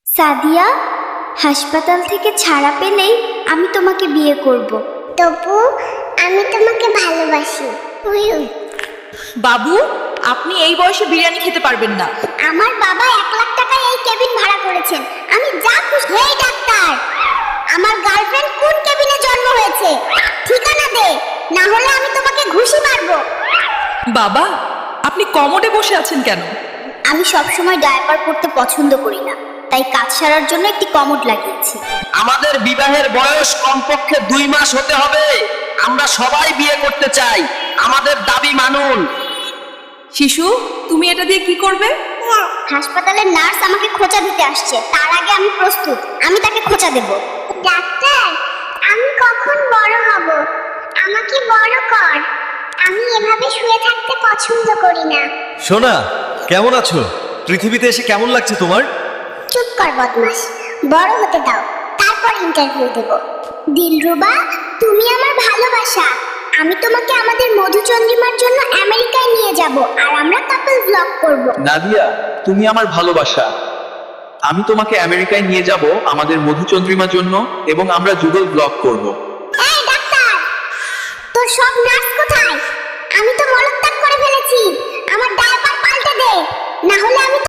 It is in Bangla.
সাদিয়া, হাসপাতাল থেকে ছাড়া পেলেই আমি তোমাকে বিয়ে করব। তপু, আমি তোমাকে ভালোবাসি। বাবু, আপনি এই বয়সে বিরিয়ানি খেতে পারবেন না। আমার বাবা 1,00,000 টাকায় এই কেবিন ভাড়া করেছেন, আমি যা খুশি। হেই ডাক্তার, আমার গার্লফ্রেন্ড কোন কেবিনে জন্ম হয়েছে? ঠিকানা দে, না হলে আমি তোমাকে ঘুষি মারবো। বাবা, আপনি কমোডে বসে আছেন কেন? আমি সবসময় ডায়াপার পরতে পছন্দ করি না, তাই কাজ সারার জন্য একটি কমোড লাগিয়েছি। আমাদের বিবাহের বয়স কমপক্ষে 2 মাস হতে হবে। আমরা সবাই বিয়ে করতে চাই, আমাদের দাবি মানুন। শিশু, তুমি এটা দিয়ে কি করবে? হাসপাতালের নার্স আমাকে খোঁচা দিতে আসছে, তার আগে আমি প্রস্তুত। আমি তাকে খোঁচা দেব। ডাক্তার, আমি কখন বড় হব? আমাকে বড় কর। আমি এভাবে শুয়ে থাকতে পছন্দ করি না। সোনা, কেমন আছো? পৃথিবীতে এসে কেমন লাগছে তোমার? চুপ কর বদমাস, বড় হতে দাও, তারপর ইন্টারভিউ দেব। দিলরুবা, তুমি আমার ভালোবাসা। আমি তোমাকে আমাদের মধুচন্দ্রিমার জন্য আমেরিকায় নিয়ে যাব, আর আমরা কাপল ব্লগ করব। নাদিয়া, তুমি আমার ভালোবাসা। আমি তোমাকে আমেরিকায় নিয়ে যাব আমাদের মধুচন্দ্রিমার জন্য, এবং আমরা যুগল ব্লগ করব। এই ডাক্তার, তোর সব নার্স কোথায়? আমি তো মলত্যাগ করে ফেলেছি। আমার ডায়াপার পাল্টে দে, না হলে আমি